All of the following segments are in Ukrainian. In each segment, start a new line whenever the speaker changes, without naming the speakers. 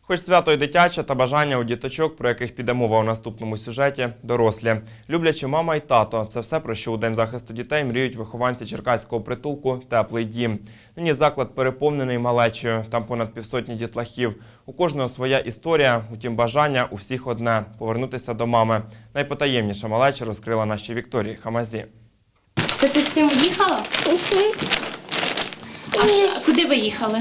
Хоч свято й дитяче, та бажання у діточок, про яких піде мова у наступному сюжеті, дорослі. Люблячі мама і тато – це все, про що у День захисту дітей мріють вихованці черкаського притулку «Теплий дім». Нині заклад переповнений малечею, там понад півсотні дітлахів. У кожного своя історія, утім бажання у всіх одне – повернутися до мами. Найпотаємніша малеча розкрила нашій Вікторії Хамазі.
Це ти з цим їхала? А куди ви їхали?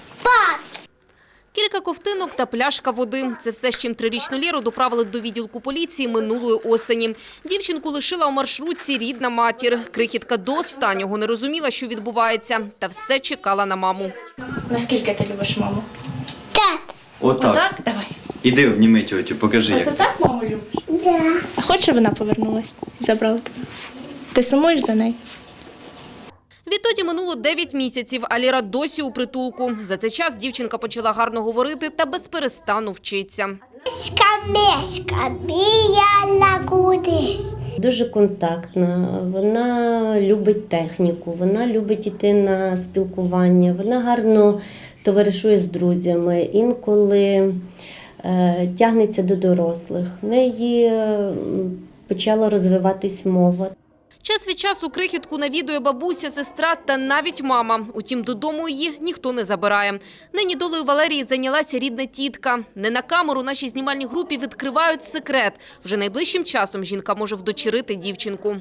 Кілька ковтинок та пляшка води – це все, з чим трирічну Лєру доправили до відділку поліції минулої осені. Дівчинку лишила у маршрутці рідна матір. Крихітка до останнього не розуміла, що відбувається, та все чекала на маму.
Наскільки ти любиш маму?
Так.
Отак.
Отак? Давай.
Іди, обніми тьотю, покажи,
А
як.
ти так маму любиш?
Да.
А хочеш, щоб вона повернулась і забрала тебе? Ти сумуєш за нею?
Відтоді минуло 9 місяців, а Лєра досі у притулку. За цей час дівчинка почала гарно говорити та безперестану вчиться.
Мешка, біля кудись.
Дуже контактна, вона любить техніку, вона любить йти на спілкування, вона гарно товаришує з друзями, інколи тягнеться до дорослих. В неї почала розвиватись мова.
Час від часу крихітку навідує бабуся, сестра та навіть мама. Утім, додому її ніхто не забирає. Нині долею Валерії зайнялася рідна тітка. Не на камеру нашій знімальній групі відкривають секрет. Вже найближчим часом жінка може вдочерити дівчинку.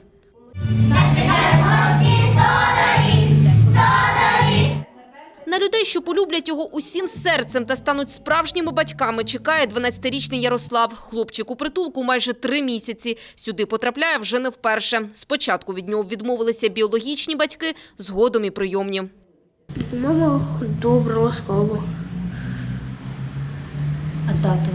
На людей, що полюблять його усім серцем та стануть справжніми батьками, чекає 12-річний Ярослав. Хлопчик у притулку майже 3 місяці. Сюди потрапляє вже не вперше. Спочатку від нього відмовилися біологічні батьки, згодом і прийомні.
Мама добра, ласкава.
А тато?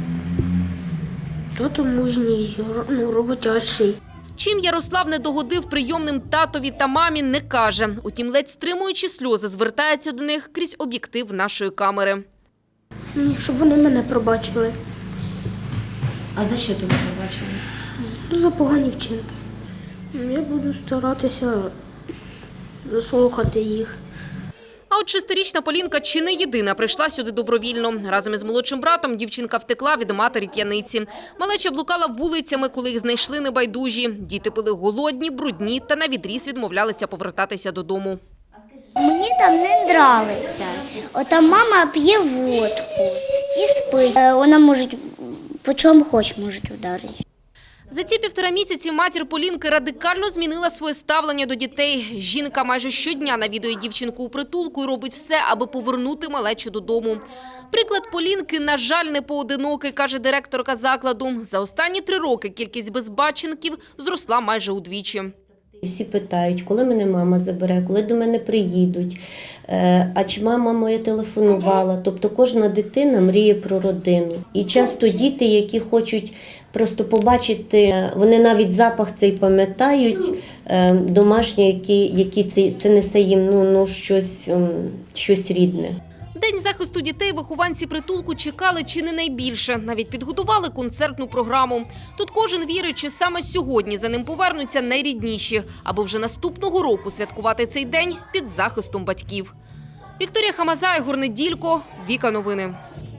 Тато мужній, роботящий.
Чим Ярослав не догодив прийомним татові та мамі, не каже. Утім, ледь стримуючи сльози, звертається до них крізь об'єктив нашої камери.
Щоб вони мене пробачили.
А за що тебе побачили?
За погані вчинки. Я буду старатися заслухати їх.
А от 6-річна Полінка чи не єдина прийшла сюди добровільно. Разом із молодшим братом дівчинка втекла від матері-п'яниці. Малеча блукала вулицями, коли їх знайшли небайдужі. Діти були голодні, брудні та навідріз відмовлялися повертатися додому.
Мені там не нравиться. Ота мама п'є водку і спить. Вона може по чому хоч може ударити.
За ці 1,5 місяці матір Полінки радикально змінила своє ставлення до дітей. Жінка майже щодня навідує дівчинку у притулку і робить все, аби повернути малечу додому. Приклад Полінки, на жаль, не поодинокий, каже директорка закладу. За останні 3 роки кількість безбатченків зросла майже удвічі.
Всі питають, коли мене мама забере, коли до мене приїдуть, а чи мама моя телефонувала. Тобто кожна дитина мріє про родину. І часто діти, які хочуть просто побачити, вони навіть запах цей пам'ятають, домашнє, який це несе їм щось рідне.
День захисту дітей вихованці притулку чекали чи не найбільше. Навіть підготували концертну програму. Тут кожен вірить, що саме сьогодні за ним повернуться найрідніші, аби вже наступного року святкувати цей день під захистом батьків. Вікторія Хамаза, Ігор Неділько, Віка Новини.